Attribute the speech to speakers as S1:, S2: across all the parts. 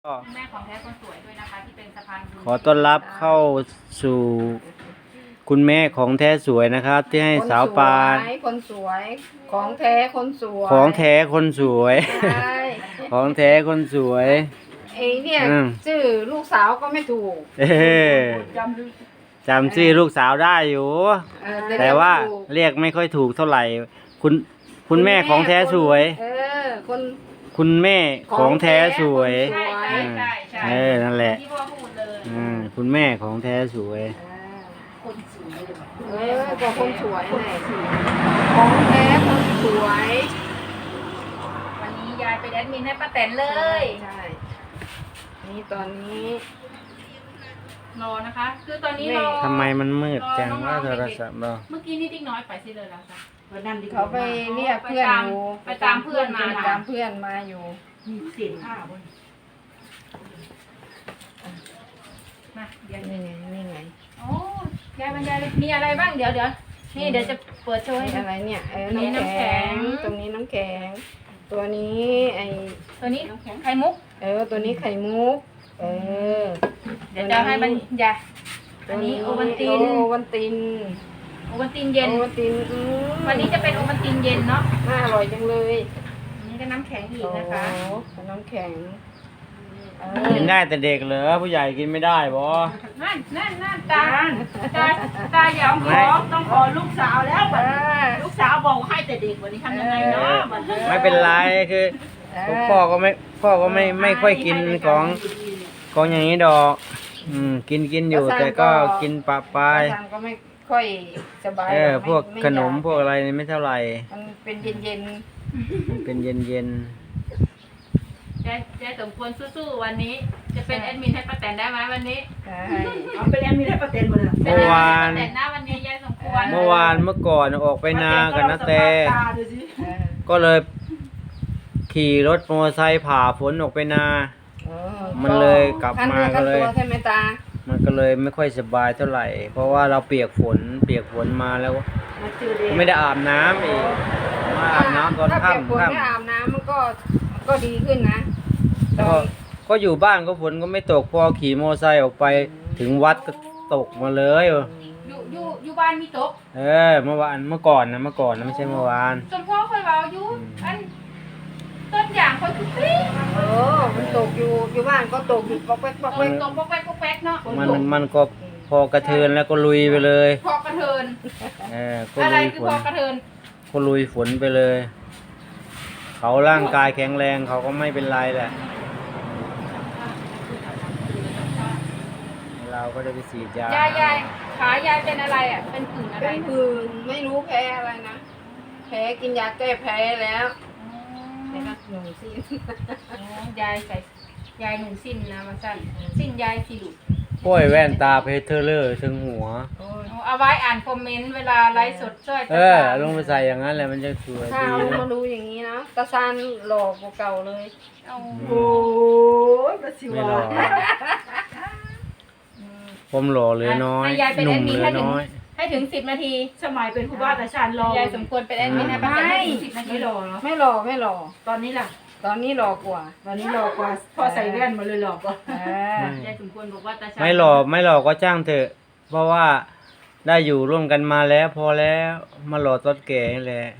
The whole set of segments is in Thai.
S1: ก็
S2: แม่ของแท้คนสวยด้วยนะคะที่เป็นสะพานบุญ
S1: ขอต้อนรับเข้าสู่คุณแม่ของแท้สวยนะครับ ที่ให้สาวปาน
S3: คนสวยของแท้คนสวย
S1: ของแท้คนสวย
S3: ใช่
S1: ของแท้คนสวย
S3: ไอ้เนี่ย
S1: อืม
S3: ชื่อลูกสาวก็ไม่ถูก
S1: เอ้จำชื่อลูกสาวได้อยู่ แต่ว่าเรียกไม่ค่อยถูกเท่าไหร่ คุณแม่ของแท้สวย
S3: คน
S1: คุณแม่ของแท้สวย
S2: ใช่ใช่ใช่ใช่
S1: นั่นแหละ
S2: ที่พ่อพูดเลย
S1: คุณแม่ของแท้สวย
S3: ก็คนสวยไงของแท้คนสวย
S2: วันนี้ยายเป็นแอดมินให้ป้าแตนเลย
S3: ใช่นี่ตอนนี้
S2: รอนะคะ คือตอนนี้รอ
S1: ทำไมมันมืดจังว่าโทรศัพท์เรา
S2: เมื่อกี้นี่ติ๊กน้อยไปสิเลยแล้วจ้ะ
S3: เขาไปเรียกเพื่อนอยู่
S2: ไปตามเพื่อนมา
S3: ไปตามเพื่อนมาอยู่
S2: มาเดี๋ยว
S3: นี่ไงนี่ไง
S2: โอ้ยายบรรยายเลยมีอะไรบ้างเดี๋ยวนี่เดี๋ยวจะเปิดโชว์ให้ดู
S3: อะไรเนี่ย
S2: นี่น้ำ
S3: น้ำ
S2: แข็
S3: แข็
S2: ง
S3: งตรงนี้น้ำแข็ง ตัวนี้ไอ
S2: ตัวนี้ไข่มุก
S3: ตัวนี้ไข่มุก
S2: เดี๋ยวจะให้บรรยายอันนี้โอวัลติน
S3: โอวัลติน
S2: โอวัลตินเย็น
S3: โอวัลติน
S2: วันนี้จะเป็นโอวัลตินเย็นเนาะ
S3: น่าอร่อยจังเลย
S2: อันนี้ก็น้ำแข็งอีกนะคะ
S3: โอ้น้ำแข็ง
S1: กินได้แต่เด็กเหรอผู้ใหญ่กินไม่ได้บอ
S2: นั่นตาอย่าต้องขอลูกสาวแล้วลูกสาวบอกให้แต่เด็กวันนี้ทำยังไงเนาะ
S1: ไม่เป็นไรคือพ่อก็ไม่ค่อยกินของอย่างนี้ดอกกินอยู่แต่ก็กินปะปาย
S3: ทางก็ไม่ค่อยสบาย
S1: พวก
S3: ไม่
S1: ขนม
S3: อยาก
S1: พวกอะไรนี่ไม่เท่าไหร่
S3: มันเป็นเย็น
S1: มันเป็นเย็น
S2: ยายสมควรสู้ๆวันนี้ จะเป็นแอดมินให้ป้าแตนได้ไหมวันนี้
S3: ๆใช่
S4: เอาเป็นแอมมีได้ประเด็นหมดเลย
S1: เมื่อวาน
S2: ป้าแตนหน้าวันนี้ยายสมควร
S1: เมื่อก่อนออกไปนากับนาแต่
S4: ตาดูสิ
S1: ก็เลยขี่รถมอเตอร์ไซค์ผ่าฝนออกไปนา มันเลยกลับมาก็เลย
S3: ขั้นตัวใช่ไหมตา
S1: มันก็เลยไม่ค่อยสบายเท่าไหร่ เพราะว่าเราเปียกฝนมาแล้ว
S4: มาเจอเด็ก
S1: ไม่ได้อาบน้ำอีกมาอาบน้ำตอน
S3: ถ้าเปียกฝน
S1: ค่ำ
S3: ได้อาบน้ำมันก็ดีขึ้นนะ
S1: ก็อยู่บ้านก็ฝนก็ไม่ตกพอขี่มอเตอร์ไซค์ออกไปถึงวัดก็ตกมาเลย
S2: อยู่บ้านมีโต๊ะ
S1: เมื่อก่อนนะไม่ใช่เมื่อวาน
S2: สมพ่อคอยเบาอยู่อันต้นอย่างคอยคุกปี้
S3: มันตกอยู่บ้านก็ตกอยู่ปอกแป๊กปอกแป๊ก
S2: ตรงปอกแป๊กปอกแป๊กเนาะ
S1: มันก็พอกระเทินแล้วก็ลุยไปเลย
S2: พอกระเทิน
S1: ก็
S2: อะไร
S1: ลุย
S2: คือ
S1: ฝ
S2: พอน กระเทิน
S1: ก็ลุยฝนไปเลย เขาร่างกายแข็งแรงเขาก็ไม่เป็นไรแหละเราก็ได้ไปฉีดยาย
S2: ายขายายเป็นอะไรอ่ะเป็นผื่นอะไร
S3: เป็นผื่นไม่รู้แพ้อะไรนะแพ้กินยาแก้แพ้แล้วในรักหนูสิ
S2: ยายใส่ยายหนูสิ้นนะมาสั้นสิ้นยายสิลูก
S1: โอ้ยแว่นตาเพชรเทอร์เลอร์ถึงหัว
S2: เอาไว้อ่านคอมเมนต์เวลาไลฟ์สดช่วย
S1: ลงไปใส่อย่างนั้นแหละมันจะสวย
S3: ถ้า
S1: ดี
S3: เอา
S1: นะ
S3: มาดูอย่างนี้นะตาซานหลอกกว่าเก่าเลย
S2: เอา
S4: โอ้ยมาสิ
S1: ไม่
S4: วะ
S1: หล่อผมหล่อเหลยน้อย
S2: ให้ยายเป็น
S1: ห
S2: แอ
S1: นุ่ม
S2: ดมิน
S1: เหลย
S2: ให้ถึง
S1: น้อย
S2: ให้ถึง10 นาที
S4: สมัยเป็นครูบาตาชานรอย
S2: ายสมควรเป็นแอดมินให้ป้าแตนให้ถึง10 นาที
S4: ไม่รอเหรอ
S3: ไม่หลอกไม่หลอก
S4: ตอนนี้ล่ะ
S3: ตอนนี้หลอกกว่า
S4: ตอนนี้รอกว่าพอใส่แว่นมาเลยหลอกก็
S2: ยายสมควรบอกว่าตาชา
S1: ไม่หล่อก็จ้างเถอะ เพราะว่าได้อยู่ร่วมกันมาแล้วพอแล้วมาหล่อตอนแก่นี่แหละ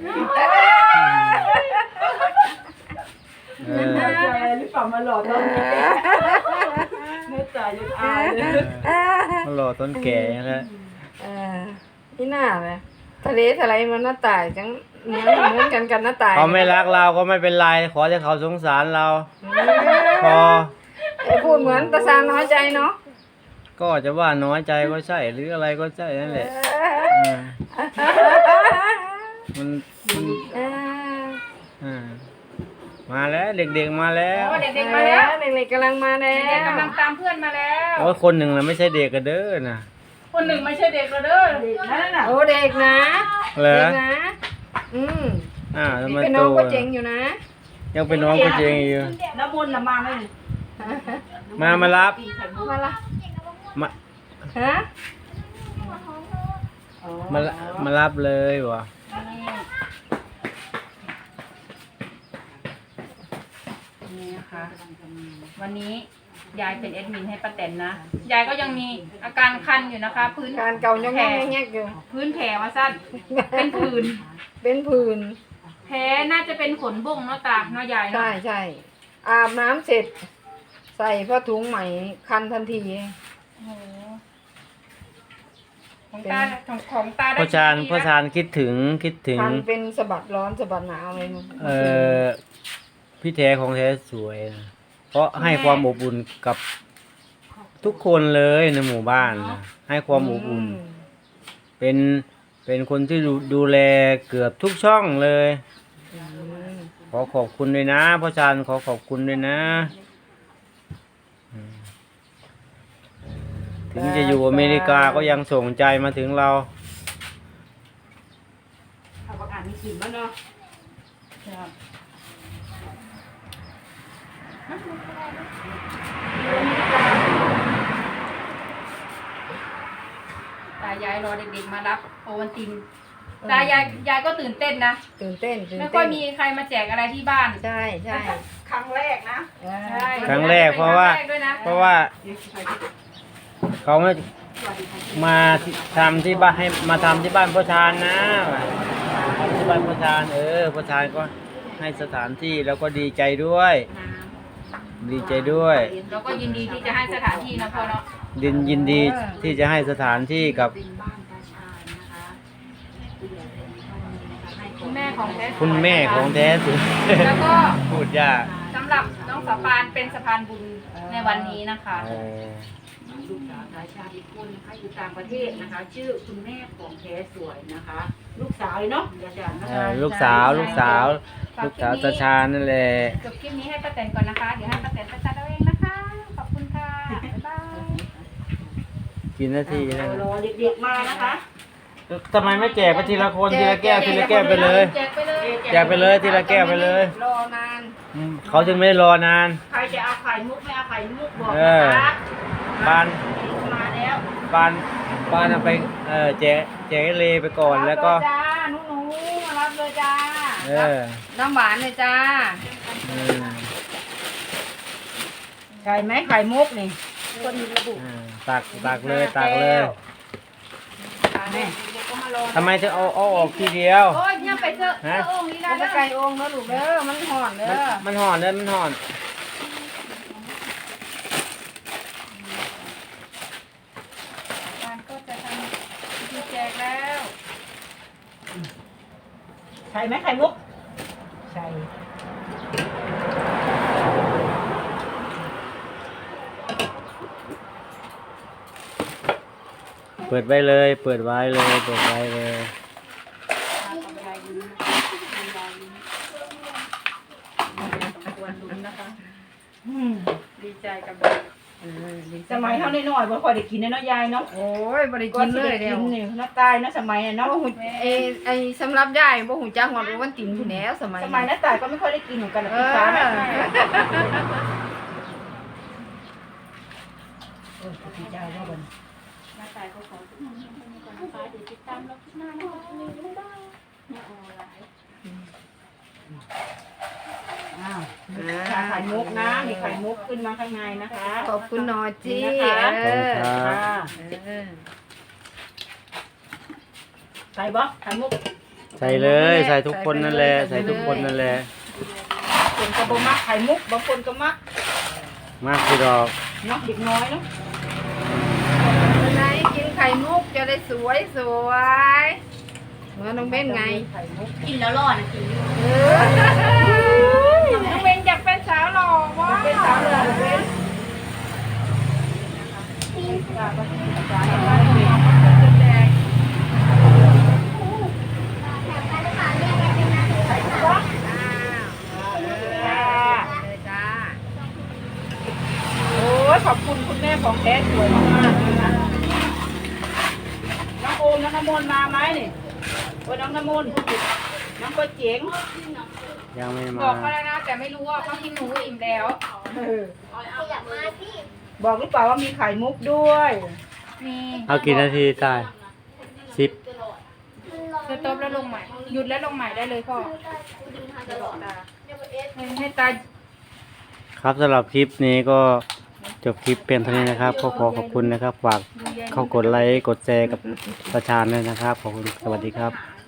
S1: เออ
S4: ใจหรือเปล่ามาหลอกตอนนี้เนื้อตายังอายเลย
S1: มาหล่อตอนแก่นี่แหละ
S3: นี่หน้าเลยทะเลทลายมันหน้าต่ายจังเหมือนกันหน้าต่าย
S1: เขาไม่รักเราก็ไม่เป็นไรขอให้เขาสงสารเรา พอ
S3: พูดเหมือนตาซานน้อยใจเนาะ
S1: ก็จะว่าน้อยใจก็ใช่หรืออะไรก็ใช่นั่นแหละมัน มาแล้วเด็กๆมาแล้ว
S2: เด็กๆมาแล้ว
S3: เด็กๆกำลังมาแล้
S2: เด็กๆ
S3: ว
S2: กำลังตามเพื่อนมาแล้ว
S1: โอ้ยคนหนึ่งนะไม่ใช่เด็กกันเด้อนะ
S2: คนหนึ่งไม่ใช่เด็กแล้วเด้อ
S4: นั่นน่ะ
S3: โอ้เด็กนะ
S1: เหรอ
S3: เด็กนะ
S1: ทำไม
S3: เป็น
S1: โต
S3: น้องก็เจ๋งอยู่นะ
S1: ยังเป็นน้องก็เจงอยู่
S4: น้ำมนต์ละมาไหม
S1: มารับ
S3: มาละ
S1: มา
S3: ฮะ
S1: มารับเลยวะ
S2: นะคะ วันนี้ยายเป็นแอดมินให้ป้าแตนนะยายก็ยังมีอาการคันอยู่นะคะ พื้น
S3: การเก่ายัง
S2: แผล
S3: แงกๆอยู่
S2: พื้นแผลว่าสั้นเป็นผื่น
S3: เป็นผื่น
S2: แผลน่าจะเป็นขนบุ้งเนาะตาเนาะยายเนาะ
S3: ใช่ใช่อาบน้ำเสร็จ ใส่ผ้าถุงใหม่คันทันที
S2: โอ้โหของตาของตาได้
S1: พ่อชาญ
S2: กี่ปี
S1: พ่อ
S2: แล้ว
S1: ชาญคิดถึง
S3: คันเป็นสะบัดร้อนสะบัดหนาวอะไรมั้ง
S1: พี่แท้ของแท้สวยนะเพราะให้ความอบอุ่นกับทุกคนเลยในหมู่บ้านนะให้ความอบอุ่น เป็นคนที่ดูแลเกือบทุกช่องเลย
S3: อืม
S1: ขอขอบคุณด้วยนะพ่อชาญขอขอบคุณด้วยนะอืมถึงจะอยู่อเมริกาก็ยังส่งใจมาถึงเรา
S4: เอาประกาศมีกลิ่นแล้วเนาะ
S2: ครับตายายรอเด็กๆมารับโอวัลตินตายายก็ตื่นเต้นนะ
S3: ตื่นเต้น
S2: ไม่ค่อยมีใครมาแจกอะไรที่บ้าน
S3: ใช่ใช่
S4: ครั้งแรกนะ
S2: ใช่
S1: ครั้งแรกเพราะว่า
S2: คงแรกด้วยนะ
S1: เพราะว่าเขาไม่มาทำที่บ้านให้มาทำที่บ้านพ่อชาญนะทำที่บ้านพ่อชาญพ่อชาญก็ให้สถานที่แล้วก็ดีใจด้วย ดีใจด้วย
S2: เราก็ยินดีที่จะให้สถานที่นะพ่อเนาะ
S1: ยินดีที่จะให้สถานที่กับ
S2: คุณแม่ของแท้
S1: คุณแม่ของแท้สุด
S2: แล้วก็
S1: พูดยาก
S2: สำหรับน้องสะพานเป็นสะพานบุญในวันนี้นะคะ
S4: ลูกสาวสายชาติอีกคนนะคะอยู่ต่างประเทศนะคะ ชื่อคุณแม่ของแท้สวยนะคะ ลูกสาวเลยเนาะอาจารย์นะคะ
S1: ลูกสาวตาชาญนั่นแหละ
S2: จบคลิปนี้ให้ป้าแตนก่อนนะคะ เดี๋ยวให้ป้าแตนประจัดเอาเองนะคะ ขอบคุณค่ะ บ๊ายบาย
S1: กินนาทีแล้ว
S4: รอเด็กๆมานะคะ
S1: ทำไมไม่แจกไปทีละคนทีละแก้วทีละแก้วไปเลย
S2: แจกไปเลย
S1: แจกไปเลยทีละแก้วไปเลย
S3: รอนาน
S1: เขาจึงไม่ได้รอนาน
S4: ใครจะเอาไข่มุกไม่เอาไข่มุกบอก
S1: เอ
S4: นะ
S1: อ
S4: คะ
S1: บ้าน
S4: มาแล้ว
S1: บ้านเอาไปแจกให้เลไปก่อนแล้วก็
S3: รับเยจ้าหนูมารับเลยจ้า
S1: เออ
S3: น้ำหวานเลยจ้า
S1: อืม
S4: ไข่ไหมไข่มุกนี่คนระบุ
S1: ตักเลยตักเลย
S2: เด็กๆก็มารอ
S1: ทำไมถึงเอาออกทีเดียว
S2: โอ้ยเนี่ยไปเจอองค์นี้
S3: แล้ว
S2: ได้
S3: จะไก่องค์แล้วลูกเด้อมันห่อนเด้อ
S1: มันห่อนเลยมันห่อน
S2: การก็จะทำพิธีแจกแล้ว
S4: ไข่ไหมไข่มุกใช่
S1: เปิดไว้เลยเปิดไว้เลยเปิดไว้เลย
S2: ดีใจกับเด็ก
S4: สมัยเท่าน้อยๆบ่ค่อยได้กินเนาะยายเนาะ
S3: โอ้ยบริกินเลย
S4: เดี
S3: เดี
S4: ย
S3: ยว ว
S4: นี่น้าตายนะสมัยน่ะเนาะ
S3: บ่หูไอ้สำหรับยายบ่หูจักหอดวันตินผู้แล้วสมัย
S4: สมัยน้าตายก็ไม่ค่อยได้กินเหมือนกัน
S3: เอ
S4: พี่
S3: อ
S4: ฟ้านะพี่เจ้าว่าบ่น
S2: น้าตายก็ขอทุกคนมีก่อนนะคะเดี๋ยวติดตามเราคลิปหน้านะคะมีบ๊ายบายไม่ออนไลน์
S4: อ้าวไข่มุกนะมีไข่มุกขึ้นมาข้างในนะคะ
S3: ขอบคุณหนอจี
S4: นี่นะคะ
S3: เออ
S4: ค่ะ
S3: เออ
S4: ใส่บ่ไข่มุก
S1: ใส่เลยใส่ทุกคนนั่นแหละใส่ทุกคนนั่นแหละ
S4: คนก็บ่มักไข่มุกบางคนก็มัก
S1: มากคือดอก
S4: เนาะเด็กน้อยเนาะ
S3: วันไหนกินไข่มุกจะได้สวยสวยเหมือนน้องเบ้นไง
S4: ไข่มุก
S2: กินแล้วรอดนะกิน
S3: น้องเบ้นอยากเป็นสาวหล่อวะ
S4: เป็นสาวเหลือเป็น
S3: เลยจ้า
S4: โอ้ยขอบคุณคุณแม่ของแท้สวยมากๆนะคะน้องโอมน้องน้ำมนต์มาไหมนี่โอ้ยน้องน้ำมนต์น้องก็เจ๋ง
S1: ยังไม่
S2: บ
S1: มา
S2: อกเขาแล้วนะแต่ไม่รู้ว่าเขากินหนูอิ่มแล้ว
S4: บอกหรือเปล่าว่ามีไข่มุกด้วย
S2: นี่
S1: เอากี่นาทีตาย10
S2: สต็อปแล้วลงใหม่ หยุดแล้วลงใหม่ได้เลยพ่อให้ตา
S1: ขครับสำหรับคลิปนี้ก็จบคลิปเป็นเท่านี้นะครับก็ขอขอบคุณนะครับฝากเข้ากดไลค์กดแชร์กับประชาชนด้วยนะครับขอบคุณสวัสดีครับ